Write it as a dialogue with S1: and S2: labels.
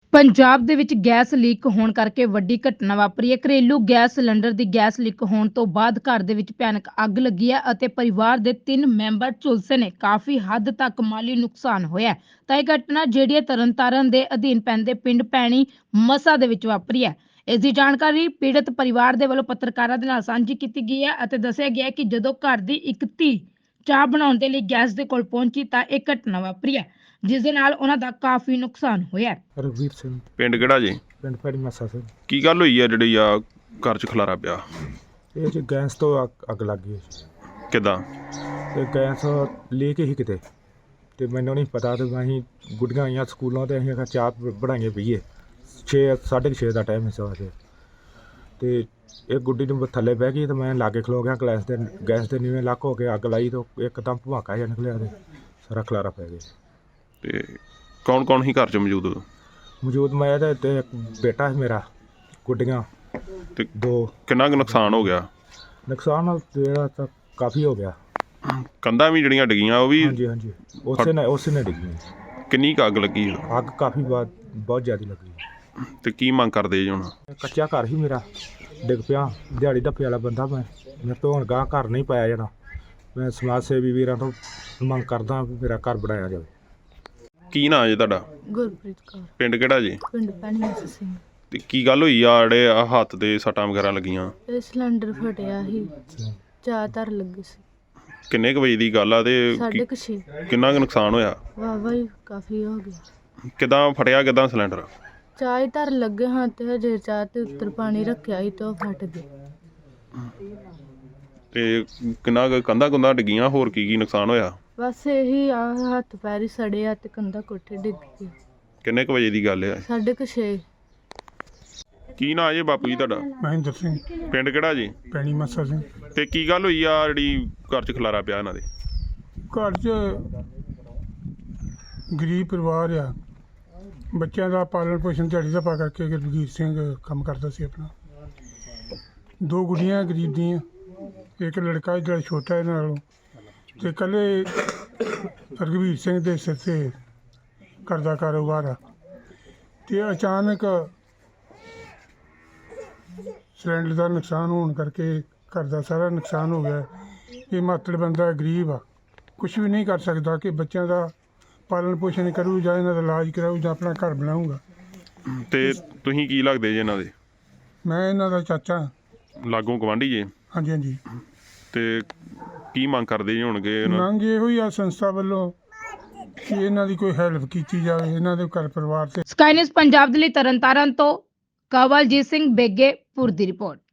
S1: ਪੰਜਾਬ ਦੇ ਵਿੱਚ gas leak ਹੋਣ ਕਰਕੇ ਵੱਡੀ ਘਟਨਾ ਵਾਪਰੀ ਹੈ। ਘਰੇਲੂ ਗੈਸ ਸਿਲੰਡਰ ਦੀ ਗੈਸ ਲੀਕ ਹੋਣ ਤੋਂ ਬਾਅਦ ਘਰ ਦੇ ਵਿੱਚ ਭਿਆਨਕ ਅੱਗ ਲੱਗੀ ਹੈ ਅਤੇ ਪਰਿਵਾਰ ਦੇ 3 ਮੈਂਬਰ ਝੁਲਸੇ ਨੇ। ਕਾਫੀ ਹੱਦ ਤੱਕ ਮਾਲੀ ਨੁਕਸਾਨ ਹੋਇਆ ਹੈ। ਤਾਂ ਇਹ ਘਟਨਾ ਜਿਹੜੀ ਹੈ ਤਰਨਤਾਰਨ ਦੇ ਅਧੀਨ ਪੈਂਦੇ ਪਿੰਡ ਪੈਣੀ ਮਸਾ ਦੇ ਵਿੱਚ ਵਾਪਰੀ ਹੈ। ਇਸ ਦੀ ਜਾਣਕਾਰੀ ਪੀੜਤ ਪਰਿਵਾਰ ਦੇ ਵੱਲੋਂ ਪੱਤਰਕਾਰਾਂ ਦੇ ਨਾਲ ਸਾਂਝੀ ਕੀਤੀ ਗਈ ਹੈ ਅਤੇ ਦੱਸਿਆ ਗਿਆ ਹੈ ਕਿ ਜਦੋਂ ਘਰ ਦੀ ਇੱਕ ਧੀ ਚਾਹ ਬਣਾਉਣ ਦੇ ਲਈ ਗੈਸ ਦੇ ਕੋਲ ਪਹੁੰਚੀ ਤਾਂ ਇਹ ਘਟਨਾ ਵਾਪਰੀ ਹੈ, ਜਿਸ ਦੇ ਨਾਲ ਉਹਨਾਂ ਦਾ ਕਾਫੀ ਨੁਕਸਾਨ ਹੋਇਆ ਹੈ।
S2: ਰਘਵੀਰ ਸਿੰਘ
S3: ਪਿੰਡ ਕਿਹੜਾ ਜੀ?
S2: ਪਿੰਡ ਪੈੜੀ ਮੱਸਾ ਸਿੰਘ।
S3: ਕੀ ਗੱਲ ਹੋਈ ਆ ਜਿਹੜੀ ਆ ਘਰ 'ਚ ਖਲਾਰਾ ਪਿਆ?
S2: ਇਹ 'ਚ ਗੈਸ ਤੋਂ ਅੱਗ ਲੱਗ ਗਈ।
S3: ਕਿੱਦਾਂ?
S2: ਤੇ ਗੈਸ ਲੈ ਕੇ ਹੀ ਕਿਤੇ ਤੇ ਮੈਨੂੰ ਨਹੀਂ ਪਤਾ ਤੇ ਅਸੀਂ ਗੁੱਡੀਆਂ ਆਈਆਂ ਸਕੂਲੋਂ ਤੇ ਅਸੀਂ ਚਾਹ ਬਣਾਈਏ ਪੀਏ 6:30 ਦਾ ਟਾਈਮ ਸੀ ਵੈਸੇ। ਤੇ ਇਹ ਗੁੱਡੀ ਨੂੰ ਥੱਲੇ ਬਹਿ ਗਈ ਤੇ ਮੈਂ ਲਾਗੇ ਖਲੋ ਗਿਆ ਗੈਸ ਦੇ ਨੀਵੇਂ ਲੱਕ ਹੋ ਕੇ ਅੱਗ ਲਾਈ ਤੇ ਇੱਕਦਮ ਭਵਾਕਾ ਜਿਹਾ ਨਿਕਲਿਆ ਤੇ ਸਾਰਾ ਖਲਾਰਾ ਪੈ ਗਿਆ।
S3: ਤੇ ਕੌਣ ਕੌਣ ਹੀ ਘਰ 'ਚ
S2: ਮੌਜੂਦ ਮੈਂ ਤੇ ਇੱਕ ਬੇਟਾ ਹੈ ਮੇਰਾ, ਗੁੱਡੀਆਂ
S3: ਤੇ
S2: 2।
S3: ਕਿੰਨਾ ਕੁ ਨੁਕਸਾਨ ਹੋ ਗਿਆ?
S2: ਨੁਕਸਾਨ ਜਿਹੜਾ ਤਾਂ ਕਾਫੀ ਹੋ ਗਿਆ।
S3: ਕੰਧਾਂ ਵੀ ਜਿਹੜੀਆਂ ਡਿੱਗੀਆਂ ਉਹ ਵੀ?
S2: ਹਾਂਜੀ ਉਸੇ ਨੇ ਡਿੱਗੀ।
S3: ਕਿੰਨੀ ਕੁ ਅੱਗ ਲੱਗੀ?
S2: ਅੱਗ ਕਾਫੀ ਬਹੁਤ ਜ਼ਿਆਦਾ ਲੱਗੀ।
S3: ਤੇ ਕੀ ਮੰਗ ਕਰਦੇ ਜੀ ਹੁਣ?
S2: ਕੱਚਾ ਘਰ ਹੀ ਮੇਰਾ ਡਿੱਗ ਪਿਆ। ਦਿਹਾੜੀ ਧੱਪੇ ਵਾਲਾ ਬੰਦਾ ਮੈਂ ਤੋਂ ਹੁਣ ਗਾਂ ਘਰ ਨਹੀਂ ਪਾਇਆ ਜਾਣਾ। ਮੈਂ ਸਮਾਜ ਸੇਵੀ ਵੀਰਾਂ ਤੋਂ ਮੰਗ ਕਰਦਾ ਵੀ ਮੇਰਾ ਘਰ ਬਣਾਇਆ ਜਾਵੇ।
S3: ਕੀ ਨਾਂ ਜੀ ਤੁਹਾਡਾ?
S4: ਗੁਰਪ੍ਰੀਤ ਕੌਰ।
S3: ਪਿੰਡ ਕਿਹੜਾ ਜੀ?
S4: ਪਿੰਡ ਪੈਣੀ ਮੱਸਾ ਸਿੰਘ।
S3: ਤੇ ਕੀ ਗੱਲ ਹੋਈ ਆ ਜਿਹੜੇ ਆ ਹੱਥ ਦੇ ਸੱਟਾਂ ਵਗੈਰਾ ਲੱਗੀਆਂ?
S4: ਇਹ ਸਿਲੰਡਰ ਫਟਿਆ ਸੀ, ਚਾਹ ਧਰ ਲੱਗੀ ਸੀ।
S3: ਕਿੰਨੇ ਕੁ ਵਜੇ ਦੀ ਗੱਲ ਆ ਤੇ
S4: 6:30
S3: ਕਿੰਨਾ ਕੁ ਨੁਕਸਾਨ ਹੋਇਆ?
S4: ਵਾਹਵਾ ਹੀ ਕਾਫੀ ਹੋ ਗਿਆ।
S3: ਕਿੱਦਾਂ ਫਟਿਆ? ਕਿੱਦਾਂ ਸਿਲੰਡਰ?
S4: ਚਾਹ ਹੀ ਧਰ ਲੱਗੇ ਹਾਂ ਤੇ ਹਜੇ ਚਾਹ ਤੇ ਉੱਤਰ ਪਾਣੀ ਰੱਖਿਆ ਸੀ ਤੇ ਉਹ ਫਟ ਗਈ।
S3: ਤੇ ਕਿੰਨਾ ਕੁ ਕੰਧਾਂ ਕੁੰਧਾਂ ਡਿੱਗੀਆਂ? ਹੋਰ ਕੀ ਨੁਕਸਾਨ ਹੋਇਆ?
S4: ਬਸ ਇਹੀ ਆ, ਹੱਥ ਪੈਰ ਹੀ ਸੜੇ ਆ ਤੇ ਕੰਧਾ ਕੋਠੇ ਡਿੱਗ ਗਈ।
S3: ਕਿੰਨੇ ਕੁ ਵਜੇ ਦੀ ਗੱਲ ਆ?
S4: 6:30।
S3: ਕੀ ਨਾਂ ਜੀ ਬਾਪੂ ਜੀ ਤੁਹਾਡਾ?
S2: ਮਹਿੰਦਰ ਸਿੰਘ।
S3: ਪਿੰਡ ਕਿਹੜਾ ਜੀ?
S2: ਪੈਣੀ ਮੱਸਾ ਸਿੰਘ।
S3: ਤੇ ਕੀ ਗੱਲ ਹੋਈ ਆ ਜਿਹੜੀ ਘਰ 'ਚ ਖਲਾਰਾ ਪਿਆ ਇਹਨਾਂ ਦੇ?
S5: ਘਰ 'ਚ ਗਰੀਬ ਪਰਿਵਾਰ ਆ, ਬੱਚਿਆਂ ਦਾ ਪਾਲਣ ਪੋਸ਼ਣ ਦਿਹਾੜੀ ਦਾ ਪਾ ਕਰਕੇ ਗੁਰਬੀਰ ਸਿੰਘ ਕੰਮ ਕਰਦਾ ਸੀ ਆਪਣਾ। 2 ਗੁੱਡੀਆਂ ਗਰੀਬ ਦੀਆਂ, ਇੱਕ ਲੜਕਾ ਜਿਹੜਾ ਛੋਟਾ ਇਹਨਾਂ ਨਾਲੋਂ, ਤੇ ਇਕੱਲੇ ਰਘਵੀਰ ਸਿੰਘ ਦੇ ਸਿਰ 'ਤੇ ਘਰ ਦਾ ਕਾਰੋਬਾਰ ਆ। ਤੇ ਅਚਾਨਕ ਸਿਲੰਡਰ ਦਾ ਨੁਕਸਾਨ ਹੋਣ ਕਰਕੇ ਘਰ ਦਾ ਸਾਰਾ ਨੁਕਸਾਨ ਹੋ ਗਿਆ। ਇਹ ਮਾਤੜ ਬੰਦਾ ਗਰੀਬ ਆ, ਕੁਛ ਵੀ ਨਹੀਂ ਕਰ ਸਕਦਾ ਕਿ ਬੱਚਿਆਂ ਦਾ ਪਾਲਣ ਪੋਸ਼ਣ ਕਰੂ ਜਾਂ ਇਹਨਾਂ ਦਾ ਇਲਾਜ ਕਰਾਊ ਜਾਂ ਆਪਣਾ ਘਰ ਬਣਾਊਗਾ।
S3: ਤੇ ਤੁਸੀਂ ਕੀ ਲੱਗਦੇ ਜੀ ਇਹਨਾਂ ਦੇ?
S5: ਮੈਂ ਇਹਨਾਂ ਦਾ ਚਾਚਾ।
S3: ਲਾਗੋਂ ਗਵਾਂਢੀ ਜੀ?
S5: ਹਾਂਜੀ ਹਾਂਜੀ।
S3: ਤੇ ਕੀ ਮੰਗ ਕਰਦੇ ਜੀ ਹੋਣਗੇ?
S5: ਮੰਗ ਇਹੋ ਹੀ ਆ ਸੰਸਥਾ ਵੱਲੋਂ ਕਿ ਇਹਨਾਂ ਦੀ ਕੋਈ ਹੈਲਪ ਕੀਤੀ ਜਾਵੇ, ਇਹਨਾਂ ਦੇ ਘਰ ਪਰਿਵਾਰ ਤੇ।
S1: ਸਕਾਈ ਨਿਊਜ਼ ਪੰਜਾਬ ਦੇ ਲਈ ਤਰਨਤਾਰਨ ਤੋਂ ਕਵਲਜੀਤ ਸਿੰਘ ਬੇਗੇਪੁਰ ਦੀ ਰਿਪੋਰਟ।